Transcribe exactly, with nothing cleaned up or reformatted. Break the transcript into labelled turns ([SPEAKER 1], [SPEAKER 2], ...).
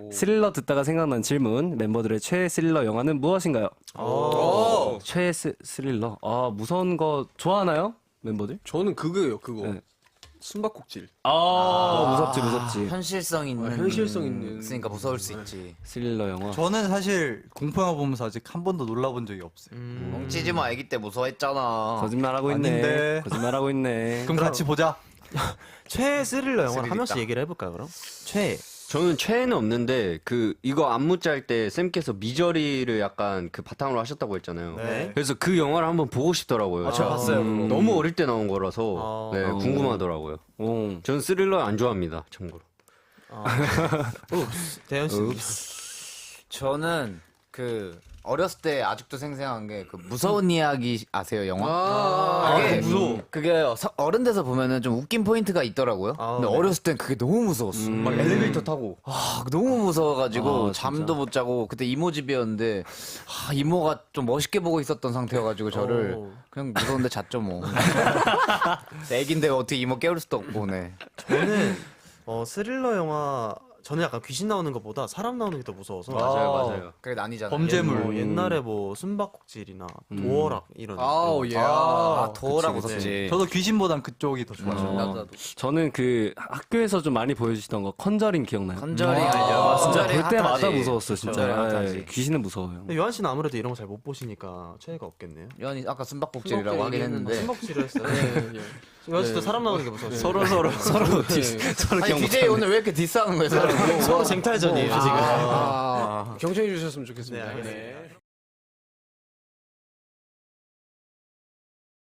[SPEAKER 1] 스릴러 듣다가 생각난 질문. 멤버들의 최애 스릴러 영화는 무엇인가요? 오. 최애 스, 스릴러. 아, 무서운 거 좋아하나요? 멤버들?
[SPEAKER 2] 저는 그거예요, 그거.
[SPEAKER 1] 네.
[SPEAKER 2] 숨바꼭질.
[SPEAKER 1] 아, 아 무섭지, 무섭지.
[SPEAKER 3] 현실성 있는.
[SPEAKER 2] 아, 현실성 있는.
[SPEAKER 3] 있으니까 무서울 수 있지.
[SPEAKER 1] 스릴러 영화.
[SPEAKER 4] 저는 사실 공포영화 보면서 아직 한 번도 놀라본 적이 없어요.
[SPEAKER 3] 뭉치지 마, 애기 때 무서워했잖아.
[SPEAKER 1] 거짓말하고 있네.
[SPEAKER 4] 아닌데.
[SPEAKER 1] 거짓말하고 있네.
[SPEAKER 4] 그럼 같이 보자.
[SPEAKER 5] 최애 스릴러 영화 한
[SPEAKER 3] 스릴
[SPEAKER 5] 명씩
[SPEAKER 3] 있다.
[SPEAKER 5] 얘기를 해볼까요 그럼? 최애.
[SPEAKER 6] 저는 최애는 없는데 그 이거 안무 짤 때 쌤께서 미저리를 약간 그 바탕으로 하셨다고 했잖아요.
[SPEAKER 5] 네.
[SPEAKER 6] 그래서 그 영화를 한번 보고 싶더라고요.
[SPEAKER 5] 아, 저 봤어요, 그거.
[SPEAKER 6] 너무 어릴 때 나온 거라서
[SPEAKER 5] 아.
[SPEAKER 6] 네,
[SPEAKER 1] 어.
[SPEAKER 6] 궁금하더라고요.
[SPEAKER 1] 오.
[SPEAKER 6] 저는 스릴러 안 좋아합니다. 참고로.
[SPEAKER 5] 대현 씨.
[SPEAKER 3] 저는 그 어렸을 때 아직도 생생한 게 그 무서운 이야기 아세요 영화?
[SPEAKER 2] 아,
[SPEAKER 3] 그게
[SPEAKER 2] 무서워.
[SPEAKER 3] 그게 서- 어른 돼서 보면은 좀 웃긴 포인트가 있더라고요.
[SPEAKER 5] 아,
[SPEAKER 3] 근데
[SPEAKER 5] 네.
[SPEAKER 3] 어렸을 땐 그게 너무 무서웠어.
[SPEAKER 6] 막 엘리베이터 타고.
[SPEAKER 3] 아, 너무 무서워가지고
[SPEAKER 1] 아, 진짜.
[SPEAKER 3] 잠도 못 자고 그때 이모 집이었는데 아, 이모가 좀 멋있게 보고 있었던 상태여가지고 저를
[SPEAKER 5] 오.
[SPEAKER 3] 그냥 무서운데 잤죠 뭐. 애긴데 어떻게 이모 깨울 수도 없고 네.
[SPEAKER 5] 저는 어, 스릴러 영화 저는 약간 귀신 나오는 것보다 사람 나오는 게 더 무서워서.
[SPEAKER 6] 맞아요, 맞아요.
[SPEAKER 3] 그게 난이잖아요.
[SPEAKER 4] 범죄물.
[SPEAKER 5] 뭐 옛날에 뭐 숨바꼭질이나 도어락 이런.
[SPEAKER 2] 아우, 예.
[SPEAKER 3] 아, 도어라
[SPEAKER 1] 그치,
[SPEAKER 3] 무섭지.
[SPEAKER 4] 저도 귀신보단 그쪽이 더 좋아요.
[SPEAKER 3] 나도 나도.
[SPEAKER 1] 저는 그 학교에서 좀 많이 보여주시던 거 컨저링 기억나요?
[SPEAKER 3] 컨저링
[SPEAKER 1] 아,
[SPEAKER 3] 알죠?
[SPEAKER 1] 진짜
[SPEAKER 3] 컨저링
[SPEAKER 1] 볼 때마다
[SPEAKER 3] 핫하지.
[SPEAKER 1] 무서웠어 진짜.
[SPEAKER 3] 컨저링
[SPEAKER 1] 예,
[SPEAKER 3] 핫하지.
[SPEAKER 1] 귀신은 무서워요.
[SPEAKER 5] 근데 요한 씨는 아무래도 이런 거 잘 못 보시니까 최애가 없겠네요.
[SPEAKER 3] 요한이 아까 숨바꼭질이라고 하긴 했는데
[SPEAKER 5] 숨바꼭질을 했어요.
[SPEAKER 2] 네, 예.
[SPEAKER 5] 요한 씨도 사람 나오는 게 무서워요.
[SPEAKER 1] 서로 서로 서로
[SPEAKER 2] 네.
[SPEAKER 1] 서로
[SPEAKER 3] 아니
[SPEAKER 1] 기억
[SPEAKER 3] 디제이 오늘 왜 이렇게 디스하는 거예요? 서로?
[SPEAKER 5] 서로 쟁탈전이에요 지금.
[SPEAKER 2] 아, 경청해 주셨으면 좋겠습니다.
[SPEAKER 5] 네, 알겠습니다.
[SPEAKER 2] 네.